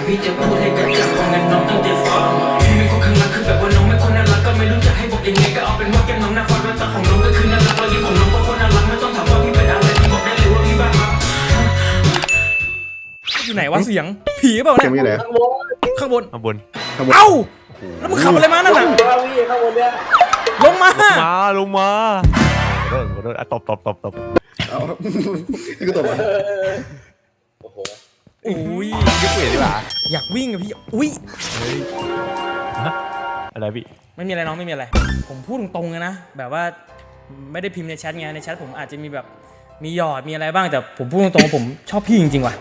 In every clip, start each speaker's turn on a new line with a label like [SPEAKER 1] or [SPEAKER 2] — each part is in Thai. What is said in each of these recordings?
[SPEAKER 1] พี่จะพูดให้กระจ่างว่างั้นน้องตั้งใจฟังพี่ไม่คนข้างหลังคือแบบว่าน้องไม่คนน่ารักก็ไม่รู้จะให้บอกยังไงก็เอาเป็นว่าแก้มน้องน่าฟังแววตาของน้องก็คือน่ารักรอยยิ้มของน้องก็คนน่ารักไม่ต้องถามว่าพี่เป็นอะไรพี่บอกได้เลยว่าพี่บ้าครับ
[SPEAKER 2] อยู่ไหนวะเสียงผีเปล่าเนี่ย
[SPEAKER 3] เสียงอยู่ไหน
[SPEAKER 2] ข้างบน
[SPEAKER 4] ข้างบน
[SPEAKER 2] เอ้าแล้วมึงขับอะไรมานั่นน่ะลงมา
[SPEAKER 4] ลงมาขอโทษตบ
[SPEAKER 3] เอาพี่ก็ตบอ่ะ
[SPEAKER 2] อุ้ย
[SPEAKER 4] ยกเวทดีกว่า
[SPEAKER 2] อยากวิ่งอะพี่อุ้ย
[SPEAKER 4] อะไรพี่
[SPEAKER 2] ไม่มีอะไรน้องไม่มีอะไรผมพูดตรงๆเลยนะแบบว่าไม่ได้พิมพ์ในแชทไงในแชทผมอาจจะมีแบบมีหยอดมีอะไรบ้างแต่ผมพูดตรงๆผมชอบพี่จริงๆว่ะ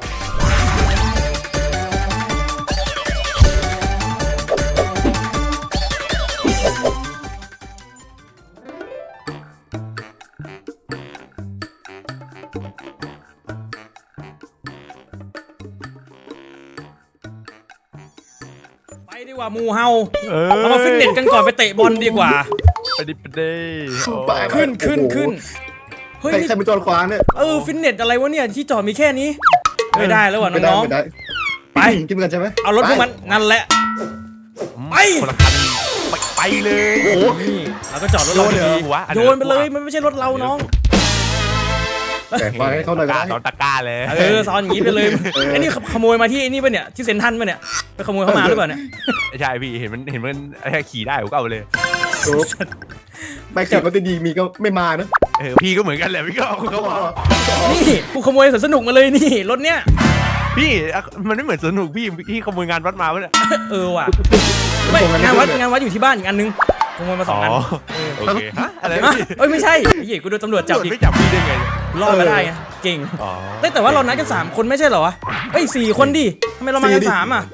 [SPEAKER 2] ไปดีกว่ามูเฮาเรามาฟิตเนสกันก่อนไปเตะบอลดีกว่า
[SPEAKER 4] ไปดิ
[SPEAKER 2] ขึ้นเฮ้ย
[SPEAKER 3] ใครเป็นจอดขวางเนี่ย
[SPEAKER 2] ฟิตเนสอะไรวะเนี่ยที่จอดมีแค่นี้ไม่ได้แล้วว่ะน้อง
[SPEAKER 3] ไม่ได้
[SPEAKER 2] ๆไป
[SPEAKER 3] กินกันใช่ไหม
[SPEAKER 2] เอารถพวกมันนั่นแหละไป
[SPEAKER 4] คนละคันไปเลย
[SPEAKER 3] โอ้โห
[SPEAKER 2] นี่เราก็จอดรถเราดีๆโยนไปเลยมันไม่ใช่รถเราน้อง
[SPEAKER 3] แต่วางให้เขาหน่อยก็ได้
[SPEAKER 4] ตอนตะก้าเลย
[SPEAKER 2] ซ้อนอย่างนี้ไปเลยไอ้นี่ขโมยมาที่นี่ป่ะเนี่ยที่เซ็นทรัลป่ะเนี่ยไปขโมยเข้ามาหรือเปล่าเนี่ย
[SPEAKER 4] ใช่พี่เห็นมันขี่ได้ผมก็เอาเลย
[SPEAKER 3] ไม่ขี่มันจะดีมีก็ไม่มานะ
[SPEAKER 4] พี่ก็เหมือนกันแหละพี่ก็เขาบอก
[SPEAKER 2] นี่กูขโมยสนุกมาเลยนี่รถเนี้ย
[SPEAKER 4] พี่มันไม่เหมือนสนุกพี่ขโมยงานวัดมาปะเนี่ย
[SPEAKER 2] ว่ะไม่งานวัดอยู่ที่บ้านอีกอันนึงขโมยมา2 อัน
[SPEAKER 4] โอเคฮะอะไร
[SPEAKER 2] ไม่ใช่ไอ้เหี้ยกูโดนตำรวจจับอีก
[SPEAKER 4] ไม่จับพี่ได้ไง
[SPEAKER 2] รอดมาได้ไงเก่งแต่ว่าเรานัดกัน3 คนไม่ใช่เหรอวะ4 คนดิทำไมเรามากัน3อ่ะ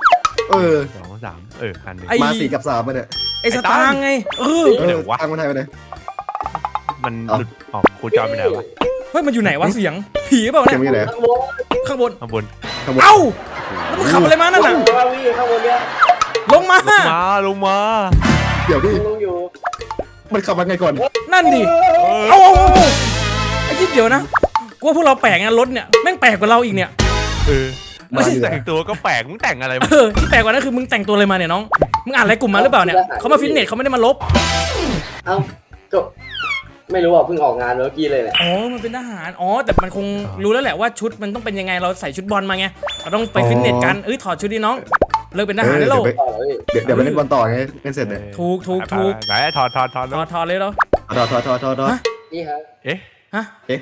[SPEAKER 4] 2 3คันนึง
[SPEAKER 3] มา4 กับ 3มาเนี่ย
[SPEAKER 2] ไอ้สตางค์ไง
[SPEAKER 3] ทางคนไทยไปไหน
[SPEAKER 4] มันหลุดออกโคจรไปไหนวะ
[SPEAKER 2] เฮ้ยมันอยู่ไหนวะเสียงผีเปล่า
[SPEAKER 3] เสี
[SPEAKER 2] เนี่ย
[SPEAKER 3] งอยู่ไหน
[SPEAKER 2] ข้างบน
[SPEAKER 4] เอ้า
[SPEAKER 2] แล้วมึงขับอะไรมานั่นน่ะลงมา
[SPEAKER 3] เดี๋ยวพี่มันขับมาไงก่อน
[SPEAKER 2] นั่นดิเอาไอ้คิดเดี๋ยวนะกูว่าพวกเราแปลกนะรถเนี่ยแม่งแปลกกว่าเราอีกเนี่ย
[SPEAKER 4] ไม่ใช่แต่งตัวก็แปลกมึงแต่งอะไรมา
[SPEAKER 2] ที่แปลกกว่านั้นคือมึงแต่งตัวอะไรมาเนี่ยน้องมึงอ่านอะไรกลุ่มมาหรือเปล่าเนี่ยเขามาฟิตเนสเขาไม่ได้มาลบ
[SPEAKER 5] เอ้าก็ไม่รู้อ่ะเพิ่งออกงานเมื่อกี้เลยเนี่ย
[SPEAKER 2] มันเป็นทหารแต่มันคงรู้แล้วแหละว่าชุดมันต้องเป็นยังไงเราใส่ชุดบอลมาไงเราต้องไปฟิตเนสกันถอดชุดดิน้องเลิกเป็นทหารได้แล้ว
[SPEAKER 3] เดี๋ยวไปเล่นบอลต่อไงเล่นเสร็จเนี่ย
[SPEAKER 2] ถูก
[SPEAKER 4] ไหนถอด
[SPEAKER 2] เลยแล้ว
[SPEAKER 3] ถอด
[SPEAKER 5] นี่ครับ
[SPEAKER 2] ฮะ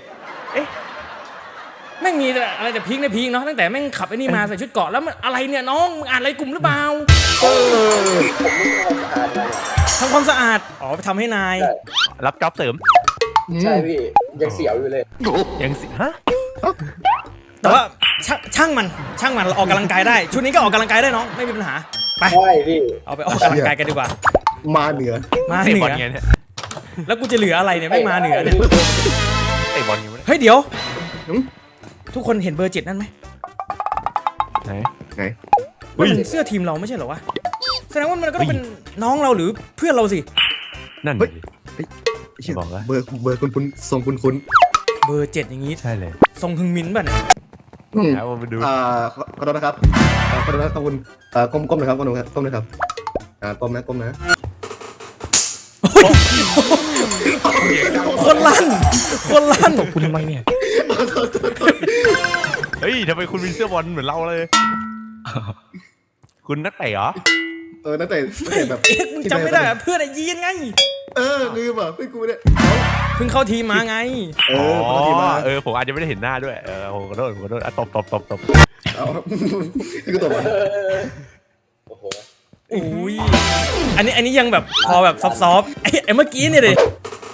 [SPEAKER 2] แม่งมีอะไรแต่พีคในพีคเนาะตั้งแต่แม่งขับไอ้นี่มาใส่ชุดเกราะแล้วมันอะไรเนี่ยน้องมึงอ่านอะไรกลุ่มหรือเปล่าทำความสะอาดไปทำให้นาย
[SPEAKER 4] รับจ็อบเสริม
[SPEAKER 5] ใช่พี่ยังเสียวอยู่เลย
[SPEAKER 4] ยังสิฮะ
[SPEAKER 2] แต่ว่าช่างมันเราออกกำลังกายได้ชุดนี้ก็ออกกำลังกายได้น้องไม่มีปัญหาไป
[SPEAKER 5] ใช่พี่
[SPEAKER 2] เอาไปออกกำลังกายกันดีกว่า
[SPEAKER 3] มาเหนือ
[SPEAKER 2] มาเหนือแล้วกูจะเหลืออะไรเนี่ยไม่มาเหนือเนี่ย
[SPEAKER 4] เตะบอลอยู่
[SPEAKER 2] เฮ้ยเดี๋ยวทุกคนเห็นเบอร์ 7นั่นไหม
[SPEAKER 4] ไหน
[SPEAKER 2] มันเสื้อทีมเราไม่ใช่เหรอวะแสดงว่ามันก็ต้องเป็นน้องเราหรือเพื่อนเราสิ
[SPEAKER 4] นั่น
[SPEAKER 3] บอกว่าเบอร์คุณทรงคุณ
[SPEAKER 2] เบอร์ 7อย่างงี้
[SPEAKER 4] ใช่เลย
[SPEAKER 2] ทรงฮึงมินป่ะเนี่ย
[SPEAKER 4] เอามาดู
[SPEAKER 3] ขอโทษนะครับขอโทษนะครับคุณก้มนะครับก้มนะครับก้มนะ
[SPEAKER 2] คนลั่น
[SPEAKER 4] ตบคุณทำไมเนี่ยเฮ้ยทำไมคุณมีเสื้อบอลเหมือนเราเลยคุณนักเตะเหรอ
[SPEAKER 3] นักเตะแบบ
[SPEAKER 2] มึงจำไม่ได้เพื่อนยีนไง
[SPEAKER 3] ลืมอ่ะเพื่อนกูเนี่ย
[SPEAKER 2] เพิ่งเข้าทีมมาไง
[SPEAKER 4] ผมอาจจะไม่ได้เห็นหน้าด้วยขอโทษตบ
[SPEAKER 3] เอาพี่ก็ตบอ่ะ
[SPEAKER 2] อุ้ยอันนี้ยังแบบพอแบบซอฟไอ้เมื่อกี้เนี่ยเลย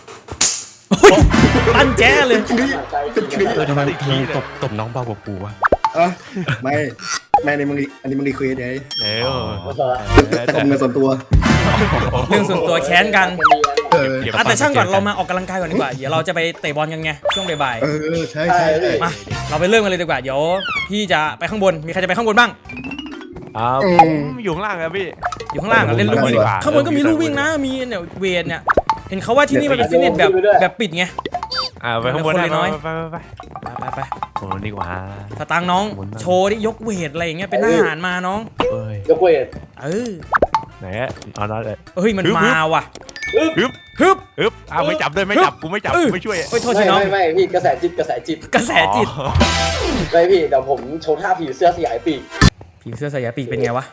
[SPEAKER 2] ตั้นแจ้เลย
[SPEAKER 4] ทำไมตบน้องเบากว่ากูวะ
[SPEAKER 3] ไม่ในมึงอันนี้มึงรีเควสไงตบเงินส่วนตัว
[SPEAKER 2] เรื่องส่วนตัวแค้นกันแต่ช่างก่อนเรามาออกกำลังกายก่อนดีกว่าเดี๋ยวเราจะไปเตะบอลกันไงช่วงบ่าย
[SPEAKER 3] ใช่
[SPEAKER 2] มาเราไปเริ่มกันเลยดีกว่าเดี๋ยวพี่จะไปข้างบนมีใครจะไปข้างบนบ้าง
[SPEAKER 4] ผมอยู่ข้างล่างครับพี่
[SPEAKER 2] อยู่ข้างล่างเล่นลูกวิ่งข้างบนก็มีลูกวิ่งนะมีเนี่ยเวทเนี่ยเห็นเขาว่าที่นี่มันเป็นฟิตเนสแบบปิดไง
[SPEAKER 4] ไปข้างบนได้
[SPEAKER 2] น้อย
[SPEAKER 4] ไป
[SPEAKER 2] ไป
[SPEAKER 4] โอ้นี่กว่า
[SPEAKER 2] สตางค์น้องโชว์ดิยกเวทอะไรอย่างเงี้ยเป็นทหารมาน้อง
[SPEAKER 4] เอ้ย
[SPEAKER 5] ยกเวท
[SPEAKER 4] ไหนเอาน้อยเลย
[SPEAKER 2] เฮ้ยมันมาว่ะ
[SPEAKER 4] ฮึบ
[SPEAKER 2] ฮึบ
[SPEAKER 4] ไม่จับด้วยไม่จับกูไม่จับกูไม่ช่วย
[SPEAKER 2] เฮ้ยโทษทีน้อง
[SPEAKER 5] ไม่พี่กระแสจิต
[SPEAKER 2] กระแสจิต
[SPEAKER 5] ไม่พี่เดี๋ยวผมโชว์ท่าผีเสื้อสยายปีก
[SPEAKER 2] ผีเสื้อสายปีกเป็นไงวะ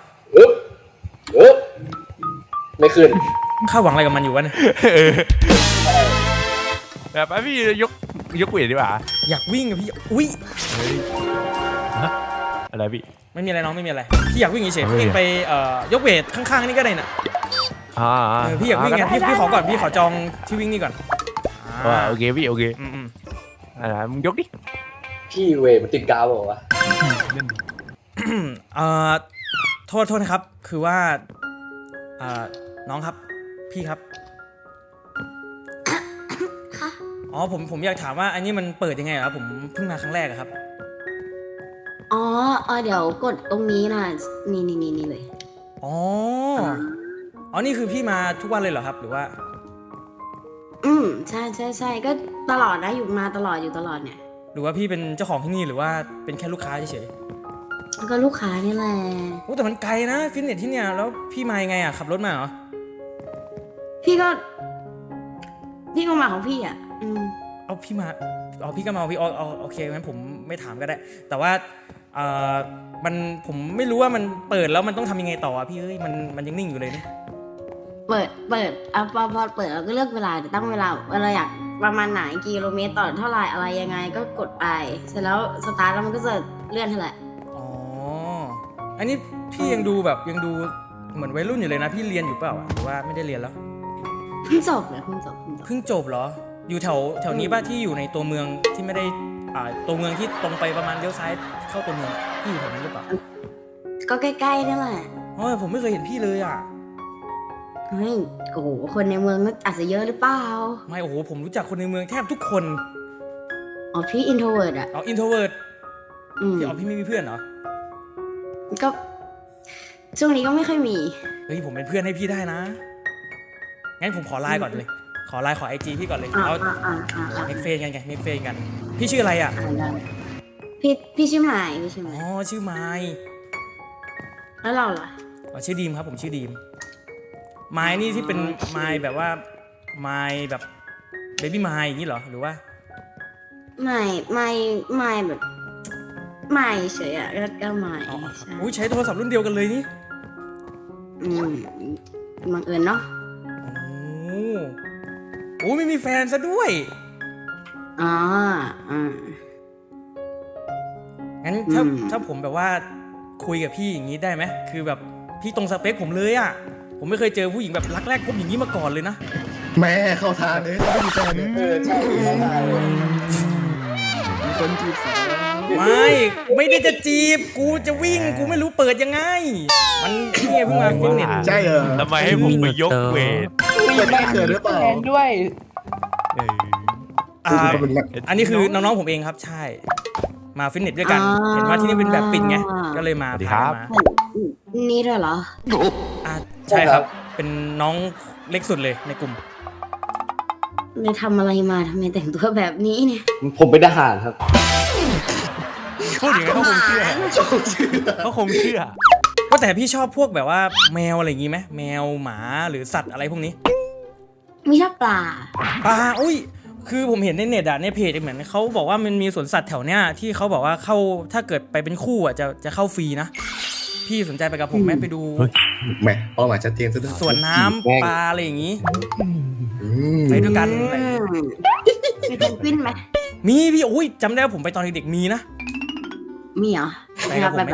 [SPEAKER 5] ไม่ขึ้น
[SPEAKER 2] ข้าหวังอะไรกับมันอยู่วะเนี่ย
[SPEAKER 4] แบบพี่ยกเวทดีกว่า
[SPEAKER 2] อยากวิ่งกับพี่อุ้ย
[SPEAKER 4] อะไรพี่
[SPEAKER 2] ไม่มีอะไรน้องไม่มีอะไรพี่อยากวิ่งเฉยๆพี่ไปยกเวทข้างๆนี่ก็ได้น่ะพี่อยากวิ่งไงพี่ขอก่อนพี่ขอจองที่วิ่งนี่ก่อน
[SPEAKER 4] โอเคพี่โอเคมึงยกดิ
[SPEAKER 5] พี่เวทมันติดกาวบอกว่า
[SPEAKER 2] โทษนะครับคือว่าน้องครับพี่ครับ
[SPEAKER 6] ค่ะ
[SPEAKER 2] อ๋อผมอยากถามว่าอันนี้มันเปิดยังไงครับผมเพิ่งมาครั้งแรกครับ
[SPEAKER 6] อ๋อเดี๋ยวกดตรงนี้นะนี่เลย
[SPEAKER 2] อ๋อนี่คือพี่มาทุกวันเลยเหรอครับหรือว่า
[SPEAKER 6] ใช่ก็ตลอดนะอยู่มาตลอดอยู่ตลอดเนี่ย
[SPEAKER 2] หรือว่าพี่เป็นเจ้าของที่นี่หรือว่าเป็นแค่ลูกค้าเฉย
[SPEAKER 6] แล้วก็ลูกค้านี่แหละ
[SPEAKER 2] ๆโอ้แต่มันไกลนะฟิตเนสที่เนี่ยแล้วพี่มายังไงอ่ะขับรถมาเหรอ
[SPEAKER 6] พี่ก็มาของพี่อ่ะ
[SPEAKER 2] พี่ก็มาเอาพี่โอเคงั้นผมไม่ถามก็ได้ แต่ว่าผมไม่รู้ว่ามันเปิดแล้วมันต้องทำยังไงต่ออ่ะพี่เอ้ยมันยังนิ่งอยู่เลยนี่
[SPEAKER 6] เปิดพอเปิดเราก็เลือกเวลาตั้งเวลาอยากประมาณไหนกิโลเมตรต่อเท่าไหร่อะไรยังไงก็กดไปเสร็จแล้วสตาร์ทแล้วมันก็จะเลื่อนเท่าไหร่
[SPEAKER 2] อ๋ออันนี้พี่ยังดูเหมือนวัยรุ่นอยู่เลยนะพี่เรียนอยู่เปล่าหรือว่าไม่ได้เรียนแล้ว
[SPEAKER 6] เพิ่งจบเลยเพิ่งจบ
[SPEAKER 2] เหรออยู่แถวนี้ป่ะที่อยู่ในตัวเมืองที่ไม่ได้ตัวเมืองที่ตรงไปประมาณเลี้ยวซ้ายเข้าตัวเมืองพี่อยู่แถวนี้หรือเปล่า
[SPEAKER 6] ก็ใกล้ๆนี่แหละ
[SPEAKER 2] ผมไม่เคยเห็นพี่เลยอ่ะ
[SPEAKER 6] เฮ้ยโอ้โหคนในเมืองก็อาจจะเยอะหรือเปล่า
[SPEAKER 2] ไม่ผมรู้จักคนในเมืองแทบทุกคน
[SPEAKER 6] พี่อินโทรเวิร์ดอะ
[SPEAKER 2] อินโทรเวิร์ดพี่ไม่มีเพื่อนเหรอ
[SPEAKER 6] ก็ช่วงนี้ก็ไม่ค่อยมี
[SPEAKER 2] เฮ้ยผมเป็นเพื่อนให้พี่ได้นะงั้นผมขอไลน์ก่อนเลยขอไลน์ขอ IG พี่ก่อนเลยเอาเมกเฟนกันพี่ชื่ออะไรอ่ะ
[SPEAKER 6] พี่ชื่อไมค์
[SPEAKER 2] ชื่อไมค์
[SPEAKER 6] แล้วเราล่ะ
[SPEAKER 2] ชื่อดีมครับผมชื่อดีมไมค์นี่ที่เป็นไมค์แบบว่าไมค์แบบเบบี้ไมค์อย่างนี้เหรอหรือว่า
[SPEAKER 6] ไม่แบบไม่เฉยอะก็ไม่
[SPEAKER 2] ใช้โทรศัพท์รุ่นเดียวกันเลยนี่
[SPEAKER 6] บังเอิญเนาะ
[SPEAKER 2] ไม่มีแฟนซะด้วยงั้นถ้าผมแบบว่าคุยกับพี่อย่างนี้ได้ไหมคือแบบพี่ตรงสเปคผมเลยอ่ะผมไม่เคยเจอผู้หญิงแบบรักแรกพบอย่างนี้มาก่อนเลยนะ
[SPEAKER 3] แม่เข้าทางเลยไม่มีแฟน
[SPEAKER 5] ใช่เข้าทางเลย
[SPEAKER 3] มีคนจีบสาว
[SPEAKER 2] ไม่ได้จะจีบกูจะวิ่งกูไม่รู้เปิดยังไงมันนี่ไงเพิ่งมาฟิตเนส
[SPEAKER 3] ใช่เหรอ
[SPEAKER 4] ทำไมให้ผมไปยกเวท
[SPEAKER 3] ไม่เกิดหรือเปล่า
[SPEAKER 7] ด้วย
[SPEAKER 2] อันนี้คือน้องๆผมเองครับใช่มาฟิตเนสด้วยกันเห็นว่าที่นี่เป็นแบบปิดไงก็เลยมา
[SPEAKER 6] นี่ด้วยเหรอ
[SPEAKER 2] ใช่ครับเป็นน้องเล็กสุดเลยในกลุ่ม
[SPEAKER 6] เลยทำอะไรมาทำไมแต่งตัวแบบนี้เนี่ย
[SPEAKER 5] ผมเป็นทหารครับ
[SPEAKER 4] พูดอย่างนี้เขาคงเชื่อ
[SPEAKER 2] ก็แต่พี่ชอบพวกแบบว่าแมวอะไรอย่างงี้ไหมแมวหมาหรือสัตว์อะไรพวกนี้
[SPEAKER 6] ไม่ชอบปลา
[SPEAKER 2] คือผมเห็นในเน็ตในเพจเหมือนเขาบอกว่ามันมีสวนสัตว์แถวเนี้ยที่เขาบอกว่าเข้าถ้าเกิดไปเป็นคู่จะเข้าฟรีนะพี่สนใจไปกับผมไหมไปดู
[SPEAKER 3] แม่เป้าหมายชัดเจนซะด้วย
[SPEAKER 2] สวนน้ำปลาอะไรอย่างงี้ไปด้วยกัน
[SPEAKER 6] มีเพนกวินไหม
[SPEAKER 2] มีพี่จำได้ว่าผมไปตอนเด็กๆมีนะ
[SPEAKER 6] มีเหรอ
[SPEAKER 2] ไปกับผม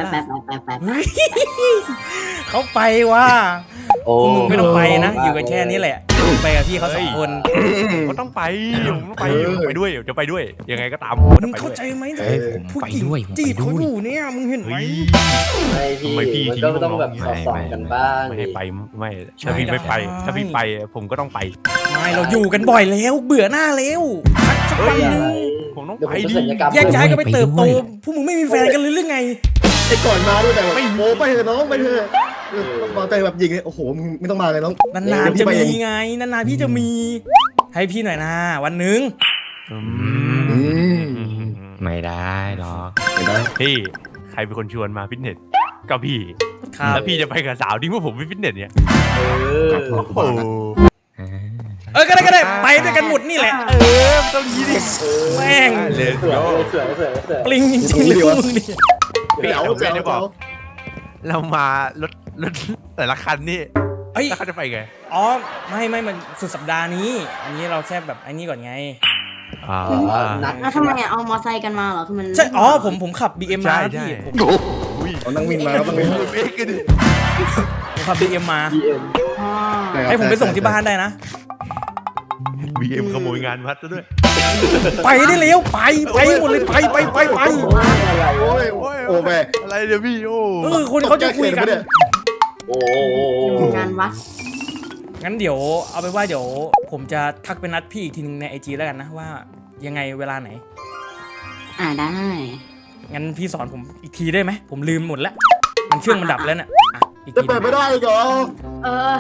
[SPEAKER 2] เขาไปว่ามึงไม่ต้องไปนะอยู่กันแค่นี้แหละไปกับพี่เขา2 คน
[SPEAKER 4] ก็ต้องไปไปด้วยจะไปด้วยยังไงก็ตาม
[SPEAKER 2] มึงเข้าใจไหมผู้หญิงจีบเขาอยู่เนี่ยมึงเห็นไหม
[SPEAKER 5] ไม่พี่มันก็ต้องแบบสอบกันบ้าง
[SPEAKER 4] ไม่ให้ไปไม่ถ้าพี่ไม่ไปถ้าพี่ไปผมก็ต้องไป
[SPEAKER 2] ไม่เราอยู่กันบ่อยแล้วเบื่อหน้าแล้วสักวันนึง
[SPEAKER 4] ผมต้องไปดิ
[SPEAKER 2] แยกย้ายกันไปเติบโตพวกมึงไม่มีแฟนกันเลยหรือไง
[SPEAKER 3] ไอ้ก่อนมาด้วยแต่ไม่โมไปเถอะน้องไปเถอะมาแต่แบบยิงเลยโอ้โหมึงไม่ต้องมาเลยน้อง
[SPEAKER 2] นานๆจะมีไงนานๆพี่จะมีให้พี่หน่อยนะวันนึง
[SPEAKER 3] อืม
[SPEAKER 7] ไม่ได้หรอก
[SPEAKER 3] ไม่ได้
[SPEAKER 4] พี่ใครเป็นคนชวนมาฟิตเนสก็พี่
[SPEAKER 2] ครับ
[SPEAKER 4] แล้วพี่จะไปกับสาวดิ้งว่าผมไปฟิตเนสเนี่ย
[SPEAKER 5] เออ
[SPEAKER 4] โอ้โห
[SPEAKER 2] ก็ได้ไปด้วยกันหมดนี่แหละต้องยีดิแม่ง
[SPEAKER 4] เลย
[SPEAKER 5] สวยสวยสวยสวย
[SPEAKER 2] ปลิงจริงๆเลยพวกมึงนี่
[SPEAKER 4] พี่
[SPEAKER 3] เจ๋ว
[SPEAKER 4] ผมไม่
[SPEAKER 3] เจ๋ว
[SPEAKER 4] ได้บอก เรามารถแต่ละคันนี่
[SPEAKER 2] เอ้ย
[SPEAKER 4] แล้วเขาจะไปไง
[SPEAKER 2] อ๋อไม่มันสุดสัปดาห์นี้ อันนี้เราแค่แบบไอ้นี่ก่อนไง
[SPEAKER 5] นัด
[SPEAKER 6] แล้วทำไมอะเอามอไซค์กันมาเหรอคือมัน
[SPEAKER 2] ใช่อ๋อผมขับ BM มาพี่ผม
[SPEAKER 3] เอานั่งวินมาแล้วต้องวิน
[SPEAKER 4] เอ๊ะกันดิ
[SPEAKER 2] ผมขับ BM มา
[SPEAKER 5] BM
[SPEAKER 6] อ๋อ
[SPEAKER 2] ให้ผมไปส่งที่บ้านได้นะ
[SPEAKER 4] BM ขโมยงานวัดซะด้วย
[SPEAKER 2] ไปได้เร็วไปหมดเลยไป
[SPEAKER 5] อะไร
[SPEAKER 3] โอ้ยโอ้แม่
[SPEAKER 4] อะไรเดี๋ยวพี่โอ้
[SPEAKER 2] คนเขาจะคุยกัน
[SPEAKER 5] โอ้
[SPEAKER 6] งานวัด
[SPEAKER 2] งั้นเดี๋ยวเอาไปนว่าเดี๋ยวผมจะทักไปนัดพี่อีกทีนึงใน IG แล้วกันนะว่ายังไงเวลาไหน
[SPEAKER 6] ได้
[SPEAKER 2] งั้นพี่สอนผมอีกทีได้ไหมผมลืมหมดแล้วมันเครื่องมันดับแล้วเนี่ยอ่ะอีก
[SPEAKER 3] จะ
[SPEAKER 2] ที
[SPEAKER 3] เปิดไม่ได้เหรอ
[SPEAKER 6] เออ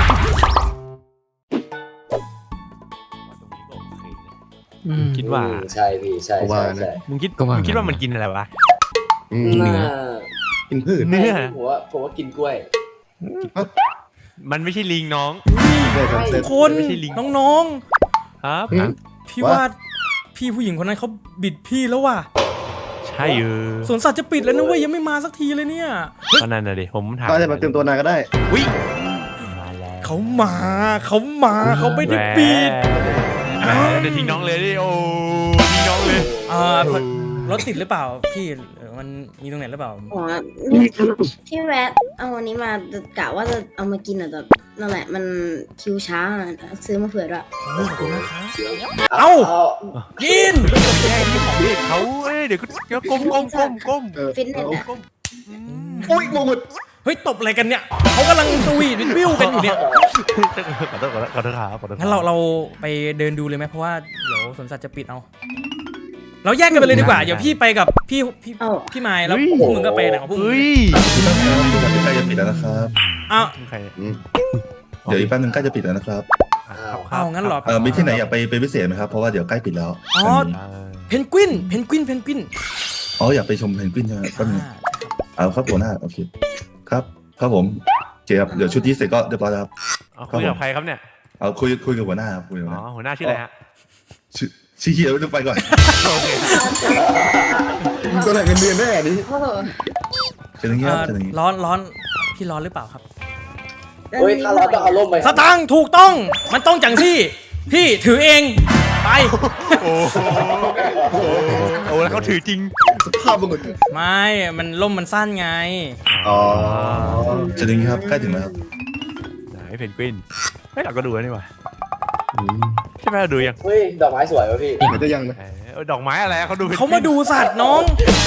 [SPEAKER 4] คิดว่า
[SPEAKER 5] ใช่พี่ใช่ใช่ใช่
[SPEAKER 4] มึงคิดว่ามันกินอะไรวะ
[SPEAKER 3] กินเนื้อกินพืช
[SPEAKER 4] เนื้อ
[SPEAKER 5] ผมว่ากินกล้วย
[SPEAKER 4] มันไม่ใช่ลิงน้อง
[SPEAKER 2] ทุกคน
[SPEAKER 4] ไม่ใช่ลิง
[SPEAKER 2] น้อง
[SPEAKER 4] ครับ
[SPEAKER 2] ๆพี่ว่าพี่ผู้หญิงคนนั้นเขาบิดพี่แล้วว่ะ
[SPEAKER 4] ใช่
[SPEAKER 2] สวนสัตว์จะปิดแล้วนะเว้ยยังไม่มาสักทีเลยเนี่ย
[SPEAKER 4] ก็นั่นน่ะดิผมถาม
[SPEAKER 3] ก็จะมาเตรียมตัวนานก็ได้
[SPEAKER 4] วิ่งมาแล้ว
[SPEAKER 2] เขาเขาไม่ได้ปิด
[SPEAKER 4] แหมเดี๋ยวทิ้งน้องเลยดิโอ้ทิ้งน้องเลย
[SPEAKER 2] รถติดหรือเปล่าพี่หรือมันมีตรงไหนหรือเปล่า
[SPEAKER 6] อ๋อพี่แวะเอาวันนี้มากะว่าจะเอามากินแต่นั่นแหละมันคิวช้าซื้อมาเผื่อด้วย
[SPEAKER 2] ขอบคุณนะครับ
[SPEAKER 5] เอ้า
[SPEAKER 2] กิน
[SPEAKER 4] แย่ที่ของพี่เขาเดี๋ยวก็ก้ม
[SPEAKER 6] ฟิตเนสอะ
[SPEAKER 3] อุ้ยงงหมด
[SPEAKER 2] เฮ้ยตบอะไรกันเนี่ยเขากำลังสวีทวิวกันอยู่เนี่ย
[SPEAKER 4] ขอโทษครับ
[SPEAKER 2] งั้นเราไปเดินดูเลยไหมเพราะว่าเดี๋ยวสวนสัตว์จะปิดเอาเราแยกกันไปเลยดีกว่าเดี๋ยวพี่ไปกับพี่ไมล์แล้วพวกมึงก็ไปไหนของพวกมึง
[SPEAKER 4] เฮ้ย
[SPEAKER 8] ใกล้จะปิดแล้วนะครับ
[SPEAKER 2] อ้าว
[SPEAKER 4] ใคร
[SPEAKER 8] เดี๋ยวอีกแป๊บนึงใกล้จะปิดแล้วนะครับ
[SPEAKER 2] เอางั้นเหรอ
[SPEAKER 8] มีที่ไหนอยากไปพิเศษไหมครับ เพราะว่าเดี๋ยวใกล้ปิดแล้ว
[SPEAKER 2] อ๋อ เพนกวิน
[SPEAKER 8] อ๋ออยากไปชมเพนกวินใช่ไหมแป๊บนึงเอาครับหัวหน้าโอเคครับครับผมโอเคครับเดี๋ยวชุดนี้เสร็จก็เรียบร้อยแล้วครับ
[SPEAKER 4] คุยกับใครครับเนี่ย
[SPEAKER 8] เอาคุยกับหัวหน้าครับคุยกับหัวห
[SPEAKER 4] อ๋อ
[SPEAKER 8] น้า
[SPEAKER 4] หัวหน้าชื่ออะไรฮะ
[SPEAKER 8] ชี้เขียวต้องไปก่อน
[SPEAKER 4] โอเค
[SPEAKER 3] ตัวไหนเงินเดือนแน่นี้
[SPEAKER 6] โอ้โห
[SPEAKER 8] เชิญอย่างนี้ครับเชิญอย่างนี้
[SPEAKER 2] ร้อนพี่ร้อนหรือเปล่าครับ
[SPEAKER 5] เฮ้ยถ้าเราต้องเอาร่มไป
[SPEAKER 2] สตางค์ถูกต้องมันต้องจังที่พี่ถือเองไป
[SPEAKER 4] โอ้แล้วเขาถือจริง
[SPEAKER 3] สภาพมึง
[SPEAKER 2] ไม่มันล่มมันสั้นไง
[SPEAKER 3] อ๋อ
[SPEAKER 8] เชิญอย่างนี้ครับใกล้ถึงแล้วครับ
[SPEAKER 4] ไหนเพนกวินไม่เราก็ดูแล้วนี่หว่าใช่ไหมเราดูยัง
[SPEAKER 5] เฮ้ยดอกไม้สวยวะพี่
[SPEAKER 3] มันจะยังนะ
[SPEAKER 4] ดอกไม้อะไรเขาดู
[SPEAKER 2] เขามาดูสัตว์น้อง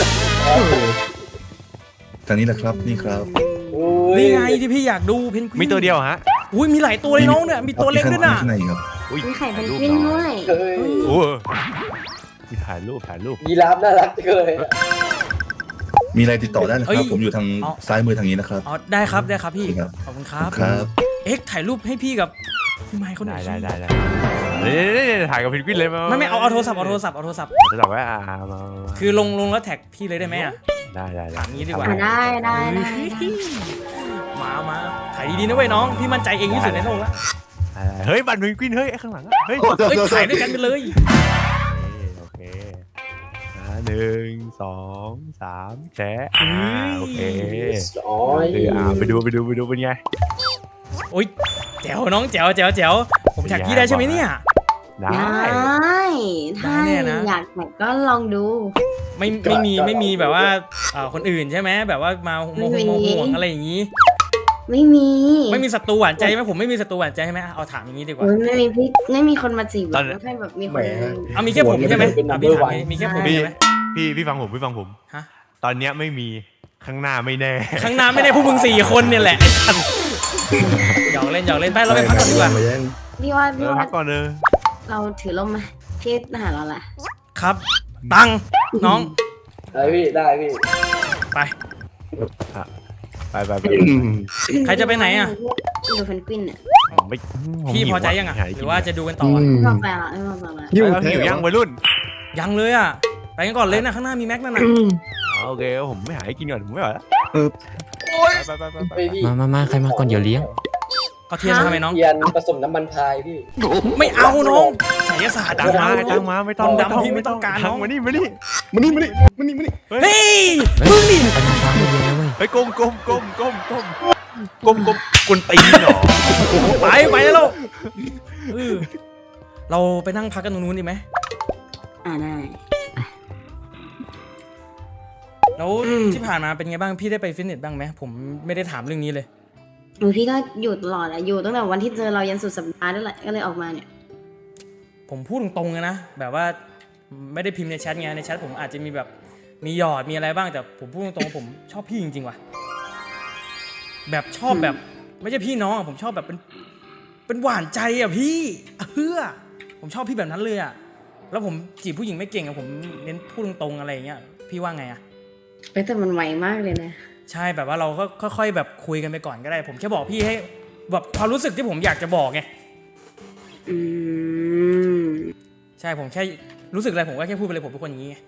[SPEAKER 8] ทางนี้แหละครับนี่ครับ
[SPEAKER 2] นี่ไงที่พี่อยากดูเพนกวิน
[SPEAKER 4] มีตัวเดียวฮะ
[SPEAKER 2] อุ้ยมีหลายตัวเลยน้องเนี่ยมีตัวเล็กด้วยน่ะ
[SPEAKER 8] ข้างในครับ
[SPEAKER 6] มีไข่เป็นกวินด้วย
[SPEAKER 5] เฮ้ย
[SPEAKER 4] โอ้มีถ่ายรูป
[SPEAKER 5] ยีราฟน่ารักจังเลย
[SPEAKER 8] มีอะไรติดต่อได้นะครับผมอยู่ทางซ้ายมือทางนี้นะครับ
[SPEAKER 2] อ๋อได้ครับพี่
[SPEAKER 8] ครับ
[SPEAKER 2] ขอบคุณครับ
[SPEAKER 8] ครับ
[SPEAKER 2] เอ็กซ์ถ่ายรูปให้พี่กับพี่ไมค์เขาหน่
[SPEAKER 4] ได้
[SPEAKER 2] อยสิ
[SPEAKER 4] ได้ถ่ายกับเพนกวินเลย
[SPEAKER 2] ไม่เอาโทรศัพท์
[SPEAKER 4] จะตอบว่ามา
[SPEAKER 2] คือลงแล้วแท็กพี่เลยได้ไหมอ่ะ
[SPEAKER 4] ได้
[SPEAKER 2] อย่างนี้ดีกว่า
[SPEAKER 6] ได้
[SPEAKER 2] มาถ่ายดีๆนะเว้ยน้องพี่มั่นใจเองที่สุดในโลกแล้ว
[SPEAKER 4] เฮ้ยบัตรเพนกวินเฮ้ยข้างหลังเฮ้ย
[SPEAKER 2] เฮ้ยถ่ายด้วยกันไปเลย
[SPEAKER 4] โอเค1 2 3แชะโอเค
[SPEAKER 5] อ๋อ
[SPEAKER 4] ไปดูเป็นไง
[SPEAKER 2] โอ้ยแจ๋วน้องแจ๋วผมแท็กพี่ได้ใช่ไหมเนี่ย
[SPEAKER 4] ได้
[SPEAKER 6] ถ้าอยากแต่ก็ลองดู
[SPEAKER 2] ไม่มีแบบว่าคนอื่นใช่ไหมแบบว่ามาโมโหอะไรอย่างนี้
[SPEAKER 6] ไม่มี
[SPEAKER 2] ศัตรูหวานใจไหมผมไม่มีศัตรูหวานใจใช่ไหมเอาถามอย่างนี้ดีกว่า
[SPEAKER 6] ไม่มีคนมาจีบแล้วแค่แบบมีคน
[SPEAKER 2] เอามีแค่ผมใช่ไหมพี่ถามมีแค่ผมใช่ไหม
[SPEAKER 4] พี่ฟังผม
[SPEAKER 2] ฮะ
[SPEAKER 4] ตอนเนี้ยไม่มีข้างหน้าไม่แน่
[SPEAKER 2] ข้างหน้าไม่ได้พวกมึง4 คนเนี่ยแหละไอ้สันหยอกเล่นไปเราไปพักก่อนดีกว่า
[SPEAKER 6] พี่ว่า
[SPEAKER 4] พักก่อนเลย
[SPEAKER 6] เราถือลมไหมพี่หาเราแหละ
[SPEAKER 2] ครับตังน้อง
[SPEAKER 5] ได้พี่ได้พี่
[SPEAKER 2] ไป
[SPEAKER 4] ไป
[SPEAKER 2] ใครจะไปไหนอ่ะ
[SPEAKER 6] ดูเพนกวินเนี่ย
[SPEAKER 4] ไม่
[SPEAKER 2] พี่พอใจยังอ่ะหรือว่าจะดูกันต่ออะ
[SPEAKER 6] ไม่พอใจละไม่พอใจละ
[SPEAKER 3] หิว
[SPEAKER 4] แล้วหิวยังวัยรุ่น
[SPEAKER 2] ยังเลยอ่ะไปกันก่อนเลยนะข้างหน้ามีแม็กนั่นน่ะ
[SPEAKER 4] โอเคผมไม่หาให้กินก่อนผมไม่ไหวแล้ว ไป
[SPEAKER 5] ไปพี่
[SPEAKER 7] มาใครมาก่อนเดี๋ยวเลี้ยง
[SPEAKER 2] ก็เทียนทำไมน้อง
[SPEAKER 5] เทียนผสมน้ำมันพายพี่
[SPEAKER 2] ไม่เอาน้องไสยศาสตร์
[SPEAKER 4] ตังมาตังมาไม่ต้อง
[SPEAKER 2] ดำพี่ไม่ต้องการน้อง
[SPEAKER 4] มานี่
[SPEAKER 3] มานี่
[SPEAKER 2] เฮ้ยมึงดิ
[SPEAKER 7] ไปทำช้างเลี้ยงนะเว้ย
[SPEAKER 4] เฮ้ยก้มกวนตีนเหรอ
[SPEAKER 2] ไปแล้วเออเราไปนั่งพักกันตรงนู้นดีไหม
[SPEAKER 6] ได้
[SPEAKER 2] แล้วที่ผ่านมาเป็นไงบ้างพี่ได้ไปฟิตเนสบ้างไหมผมไม่ได้ถามเรื่องนี้เลย
[SPEAKER 6] พี่ก็อยู่ตลอดอะอยู่ตั้งแต่วันที่เจอเรายันสุดสัปดาห์นั่นแหละก็เลยออกมาเนี่ย
[SPEAKER 2] ผมพูดตรงๆเลยนะแบบว่าไม่ได้พิมพ์ในแชทไงในแชทผมอาจจะมีแบบมีหยอดมีอะไรบ้างแต่ผมพูดตรงๆว่าผมชอบพี่จริงๆว่ะแบบชอบแบบไม่ใช่พี่น้องอะผมชอบแบบเป็นหวานใจอ่ะพี่ผมชอบพี่แบบนั้นเลยอ่ะแล้วผมจีบผู้หญิงไม่เก่งอ่ะผมเน้นพูดตรงๆอะไรอย่างเงี้ยพี่ว่าไงอ่ะ
[SPEAKER 6] แต่มันไวมากเลยนะ
[SPEAKER 2] ใช่แบบว่าเราก็ค่อยๆแบบคุยกันไปก่อนก็ได้ ผมแค่บอกพี่ให้แบบความรู้สึกที่ผมอยากจะบอกไง
[SPEAKER 6] อืม
[SPEAKER 2] ใช่ผมแค่รู้สึกอะไรผมก็แค่พูดไปเลยผมเป็นคนอย่างนี้ไง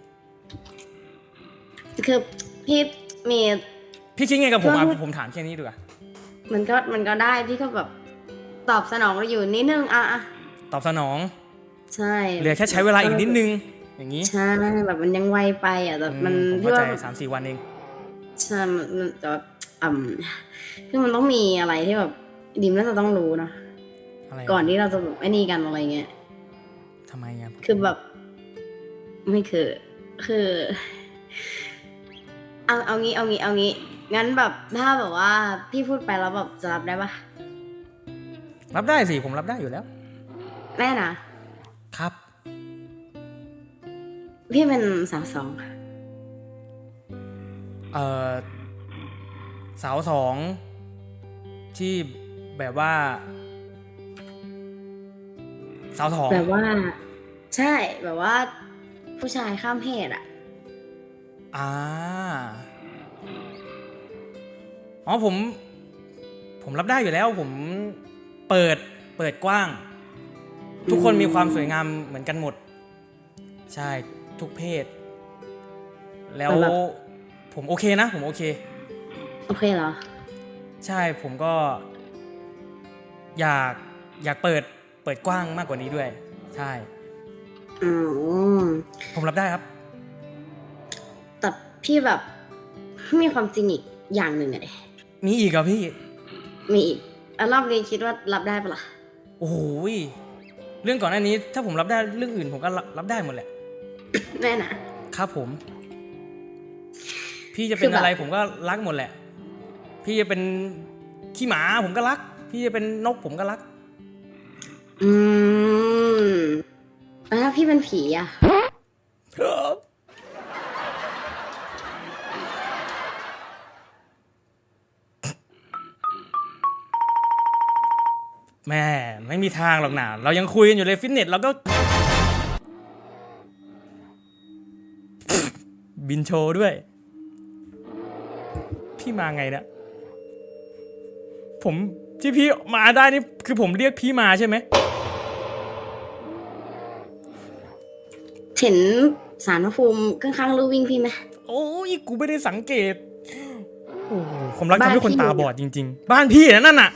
[SPEAKER 6] คือพี่มี
[SPEAKER 2] พี่คิดไงกับผมอ่ะผมถามแค่นี้ดีกว่า
[SPEAKER 6] มันก็ได้พี่ก็แบบตอบสนองเราอยู่นิดนึงอะ
[SPEAKER 2] ตอบสนอง
[SPEAKER 6] ใช่
[SPEAKER 2] เหลือแค่ใช้เวลาอีกนิดนึงอย่างนี้
[SPEAKER 6] ใช่แบบมันยังไวไปอ่ะแต่มัน
[SPEAKER 2] ผม
[SPEAKER 6] พี่
[SPEAKER 2] เข้าใจ
[SPEAKER 6] ว่า
[SPEAKER 2] 3-4 วันเอง
[SPEAKER 6] ใช่มันจะคือมันต้องมีอะไรที่แบบดิมน่าจะต้องรู้เนาะ
[SPEAKER 2] อะไร
[SPEAKER 6] ก่อนที่เราจะแบบไอ้นี่กันอะไรเงี้ย
[SPEAKER 2] ทำไมอ่ะ
[SPEAKER 6] คือแบบไม่คือ เอางี้งั้นแบบถ้าแบบว่าพี่พูดไปแล้วแบบจะรับได้ปะ
[SPEAKER 2] รับได้สิผมรับได้อยู่แล้ว
[SPEAKER 6] แน่นะครับ พี่เป็นสาวสอง
[SPEAKER 2] สาวสองที่แบบว่าสาวสอง
[SPEAKER 6] แบบว่า ใช่แบบว่า ผู้ชายข้ามเพศอ่ะ
[SPEAKER 2] อ๋อผมรับได้อยู่แล้วผมเปิดกว้าง ทุกคนมีความสวยงามเหมือนกันหมดใช่ทุกเพศ แล้ว
[SPEAKER 6] แต่แบบ
[SPEAKER 2] ผมโอเคนะผมโอเค
[SPEAKER 6] โอเคเหรอ
[SPEAKER 2] ใช่ผมก็อยากเปิดกว้างมากกว่านี้ด้วยใช่
[SPEAKER 6] อืม
[SPEAKER 2] ผมรับได้ครับ
[SPEAKER 6] แต่พี่แบบมีความจริงอีกอย่างหนึ่งอะดิ
[SPEAKER 2] มีอีกเหรอพี่
[SPEAKER 6] มีอีกรอบนี้คิดว่ารับได้ปะล่ะ
[SPEAKER 2] โอ้โหเรื่องก่อนหน้านี้ถ้าผมรับได้เรื่องอื่นผมก็รับได้หมดแหละ
[SPEAKER 6] แน่นะครับ
[SPEAKER 2] ผม พี่จะเป็นอะไรผมก็รักหมดแหละ พี่จะเป็นขี้หมาผมก็รัก พี่จะเป็นนกผมก็รัก
[SPEAKER 6] แล้วถ้าพี่เป็นผีอะ
[SPEAKER 2] แม่ไม่มีทางหรอกนะเรายังคุยกันอยู่เลยฟิตเนสเราก็ บินโชว์ด้วย พี่มาไงเนี่ยผมที่พี่มาได้นี่คือผมเรียกพี่มาใช่ไหม
[SPEAKER 6] เห็นสารพระภูมิข้างๆลู่วิ่งพี่ไหม
[SPEAKER 2] โอ้ยกูไม่ได้สังเกตโอ้โหผมรัก
[SPEAKER 6] บ้าน
[SPEAKER 2] ทำให้คน
[SPEAKER 6] พี่
[SPEAKER 2] ตาบอดจริง ๆ บ้านพี่นั่นน่ะ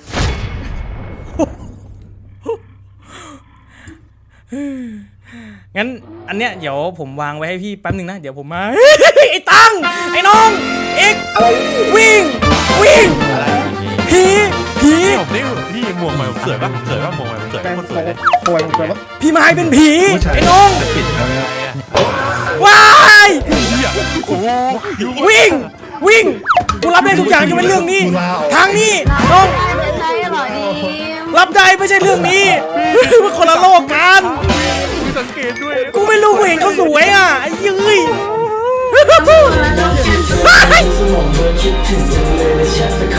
[SPEAKER 2] งั้นอันเนี้ยเดี๋ยวผมวางไว้ให้พี่แป๊บนึงนะเดี๋ยวผมมา ไอ้ตังไอ้น้องเอ็กวิ่งผี
[SPEAKER 4] นี่พี่หมวกใหม่ผมสวยปะหมวกใหม่ผมสวย
[SPEAKER 3] แม่ง
[SPEAKER 4] คนสวยเลย
[SPEAKER 3] ป่วยป่วยปะ
[SPEAKER 2] พี่ไม้เป็นผี
[SPEAKER 8] ผู้ชาย
[SPEAKER 2] ไอ้น้อง
[SPEAKER 8] จะปิดแล้วนะครับ
[SPEAKER 2] ว้าย
[SPEAKER 4] โอ้โห
[SPEAKER 2] วิ่งกูรับได้ทุกอย่างจะเป็นเรื่องนี้ ทางนี้น้อง
[SPEAKER 6] ไม่ใช่หรอดิม
[SPEAKER 2] รับได้ไม่ใช่เรื่องนี้ มันคนละโลกกัน
[SPEAKER 4] มีสังเกตด้วย
[SPEAKER 2] กูไม่รู้กูเห็นเขาสวยอ่ะไอ้ยืย
[SPEAKER 1] สมองเบอร์คิดถึงจังเลยและแชทไปข